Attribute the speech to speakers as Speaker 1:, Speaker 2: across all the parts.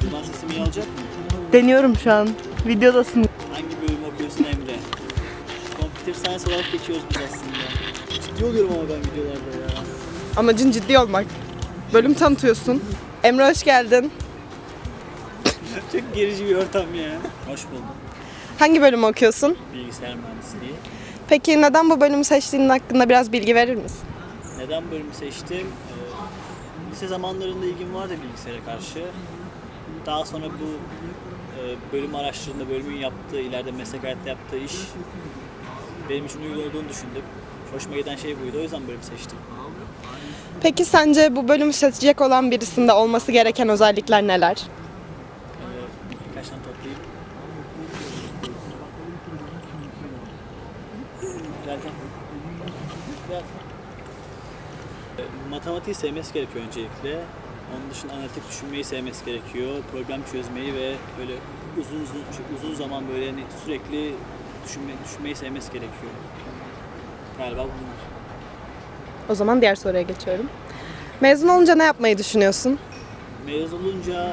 Speaker 1: zaman sesim iyi olacak mı?
Speaker 2: Deniyorum şu an. Videodasın.
Speaker 1: Hangi bölüm okuyorsun Emre? Computer Science olarak geçiyoruz biz aslında. Ciddi oluyorum ama ben videolarda ya.
Speaker 2: Amacın ciddi olmak. Bölüm tanıtıyorsun. Emre hoş geldin.
Speaker 1: Çok gerici bir ortam ya. Hoş buldum.
Speaker 2: Hangi bölümü okuyorsun?
Speaker 1: Bilgisayar mühendisliği.
Speaker 2: Peki neden bu bölümü seçtiğinin hakkında biraz bilgi verir misin?
Speaker 1: Neden bölümü seçtim? Lise zamanlarında ilgim vardı bilgisayara karşı. Daha sonra bu bölüm araştırdığında bölümün yaptığı, ileride meslek hayatta yaptığı iş benim için uygun olduğunu düşündüm. Hoşuma giden şey buydu, o yüzden bölüm seçtim.
Speaker 2: Peki sence bu bölümü seçecek olan birisinde olması gereken özellikler neler?
Speaker 1: Birkaç tane toplayayım. Gel. Matematiği sevmesi gerekiyor öncelikle. Onun dışında analitik düşünmeyi sevmesi gerekiyor. Problem çözmeyi ve böyle uzun zaman böyle hani sürekli düşünmeyi sevmesi gerekiyor. Galiba bunlar.
Speaker 2: O zaman diğer soruya geçiyorum. Mezun olunca ne yapmayı düşünüyorsun?
Speaker 1: Mezun olunca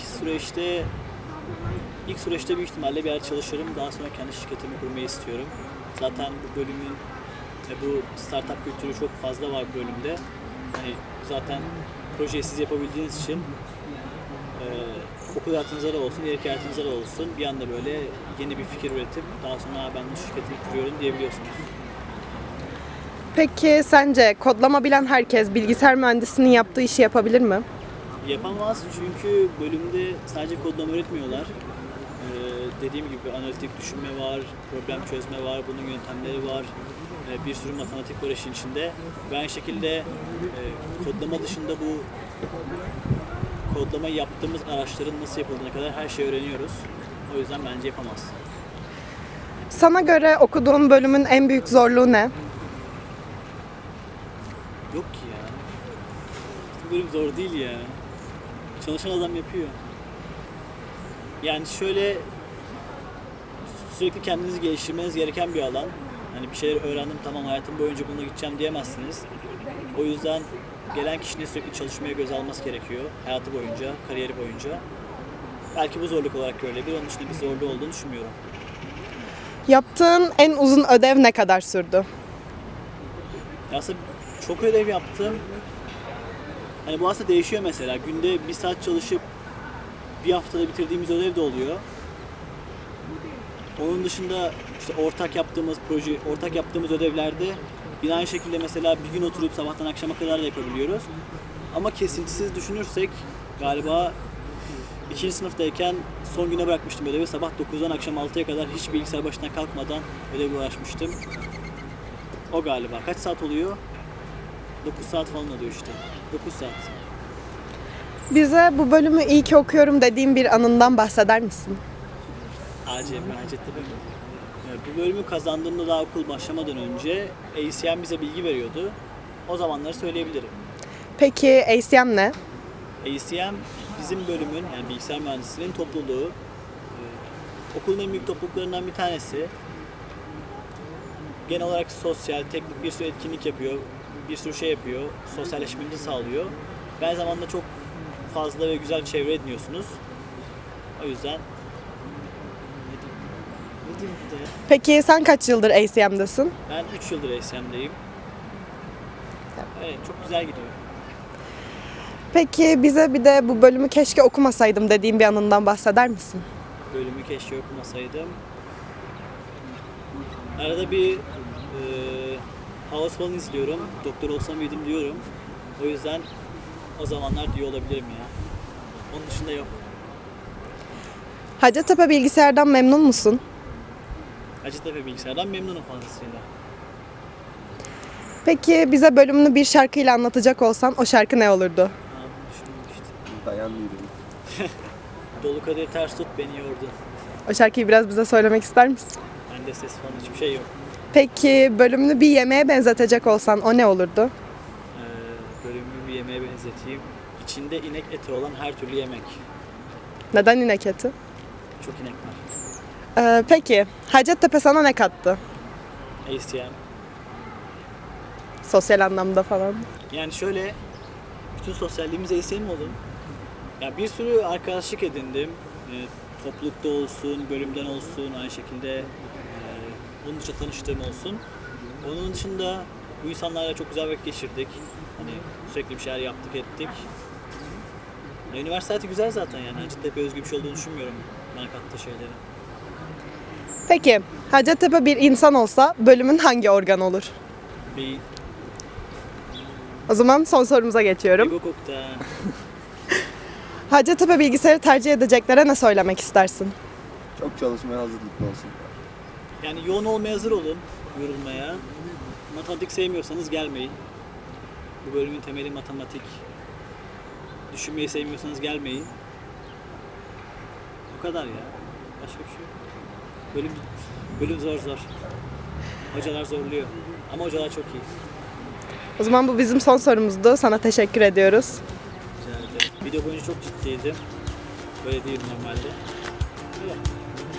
Speaker 1: ilk süreçte büyük ihtimalle bir yer çalışırım. Daha sonra kendi şirketimi kurmayı istiyorum. Zaten bu bölümün bu startup kültürü çok fazla var bu bölümde. Hani zaten projeyi siz yapabildiğiniz için okul hayatınızda da olsun, ileriki hayatınızda da olsun bir anda böyle yeni bir fikir üretip daha sonra ben bu şirketi kuruyorum diyebiliyorsunuz.
Speaker 2: Peki sence kodlama bilen herkes bilgisayar mühendisinin yaptığı işi yapabilir mi?
Speaker 1: Yapamaz çünkü bölümde sadece kodlama öğretmiyorlar. Dediğim gibi analitik düşünme var, problem çözme var, bunun yöntemleri var. Bir sürü matematik var işin içinde. Ve aynı şekilde kodlama dışında bu kodlama yaptığımız araçların nasıl yapıldığına kadar her şeyi öğreniyoruz. O yüzden bence yapamaz.
Speaker 2: Sana göre okuduğun bölümün en büyük zorluğu ne?
Speaker 1: Yok ki ya. Bu bölüm zor değil ya. Çalışan adam yapıyor. Yani şöyle sürekli kendinizi geliştirmeniz gereken bir alan. Hani bir şeyler öğrendim tamam hayatım boyunca bununla gideceğim diyemezsiniz. O yüzden gelen kişinin sürekli çalışmaya göz alması gerekiyor. Hayatı boyunca, kariyeri boyunca. Belki bu zorluk olarak görülebilir. Onun dışında bir zorluğu olduğunu düşünmüyorum.
Speaker 2: Yaptığın en uzun ödev ne kadar sürdü?
Speaker 1: Ya aslında çok ödev yaptım. Hani bu aslında değişiyor mesela. Günde 1 saat çalışıp bir haftada bitirdiğimiz ödev de oluyor. Onun dışında işte ortak yaptığımız ödevlerde yine aynı şekilde mesela bir gün oturup sabahtan akşama kadar da yapabiliyoruz. Ama kesintisiz düşünürsek galiba 2. sınıftayken son güne bırakmıştım ödevi. Sabah 9'dan akşam 6'ya kadar hiç bilgisayar başına kalkmadan ödevle uğraşmıştım. O galiba. Kaç saat oluyor? 9 saat falan oluyor işte. 9 saat.
Speaker 2: Bize bu bölümü iyi ki okuyorum dediğin bir anından bahseder misin?
Speaker 1: Hacettepe mi? Evet, bu bölümü kazandığımda daha okul başlamadan önce ACM bize bilgi veriyordu. O zamanları söyleyebilirim.
Speaker 2: Peki ACM ne?
Speaker 1: ACM bizim bölümün yani bilgisayar mühendisliğinin topluluğu. Okulun en büyük topluluklarından bir tanesi. Genel olarak sosyal, teknik bir sürü etkinlik yapıyor. Bir sürü şey yapıyor. Sosyalleşmemizi sağlıyor. Ve aynı zamanda çok fazla ve güzel çevre ediniyorsunuz. O yüzden ne diyeyim bir de ya?
Speaker 2: Peki sen kaç yıldır ACM'desin?
Speaker 1: Ben 3 yıldır ACM'deyim. Evet, çok güzel gidiyor.
Speaker 2: Peki bize bir de bu bölümü keşke okumasaydım dediğin bir anından bahseder misin?
Speaker 1: Bölümü keşke okumasaydım. Arada bir House falan izliyorum. Doktor olsam mıydım diyorum. O yüzden o zamanlar diyor olabilirim ya. Onun dışında yok.
Speaker 2: Hacettepe bilgisayardan memnun musun?
Speaker 1: Hacettepe bilgisayardan memnunum fazlasıyla.
Speaker 2: Peki bize bölümünü bir şarkıyla anlatacak olsan o şarkı ne olurdu?
Speaker 1: Bunu düşünmemiştim.
Speaker 3: Dayanmıyorum.
Speaker 1: Dolu kadehi ters tut beni yordu.
Speaker 2: O şarkıyı biraz bize söylemek ister misin?
Speaker 1: Bende ses falan hiçbir şey yok.
Speaker 2: Peki bölümünü bir yemeğe benzetecek olsan o ne olurdu?
Speaker 1: Bölümümü bir yemeğe benzeteyim. İçinde inek eti olan her türlü yemek.
Speaker 2: Neden inek eti?
Speaker 1: Çok inek var.
Speaker 2: Peki Hacettepe sana ne kattı?
Speaker 1: ACM.
Speaker 2: Sosyal anlamda falan.
Speaker 1: Yani şöyle, bütün sosyalliğimiz ACM oldu. Ya bir sürü arkadaşlık edindim. Toplulukta olsun, bölümden olsun, aynı şekilde bunun dışında tanıştığım olsun. Onun dışında bu insanlarla çok güzel vakit geçirdik. Hani sürekli bir şeyler yaptık, ettik. Üniversite hayatı güzel zaten yani. Hacettepe özgü bir şey olduğunu düşünmüyorum bana kattığı şeylerin.
Speaker 2: Peki Hacettepe bir insan olsa bölümün hangi organ olur?
Speaker 1: Bir
Speaker 2: O zaman sorumuza geçiyorum.
Speaker 1: ego koktu ha.
Speaker 2: Hacettepe bilgisayarı tercih edeceklere ne söylemek istersin?
Speaker 3: Çok çalışmaya hazırlıklı olsun.
Speaker 1: Yani yoğun olmaya hazır olun, yorulmaya. Matematik sevmiyorsanız gelmeyin. Bu bölümün temeli matematik. Düşünmeyi sevmiyorsanız gelmeyin. O kadar ya. Başka bir şey yok. Bölüm zor. Hocalar zorluyor. Ama hocalar çok iyi.
Speaker 2: O zaman bu bizim son sorumuzdu. Sana teşekkür ediyoruz.
Speaker 1: Güzeldi. Video boyunca çok ciddiydim. Böyle değil normalde. Öyle.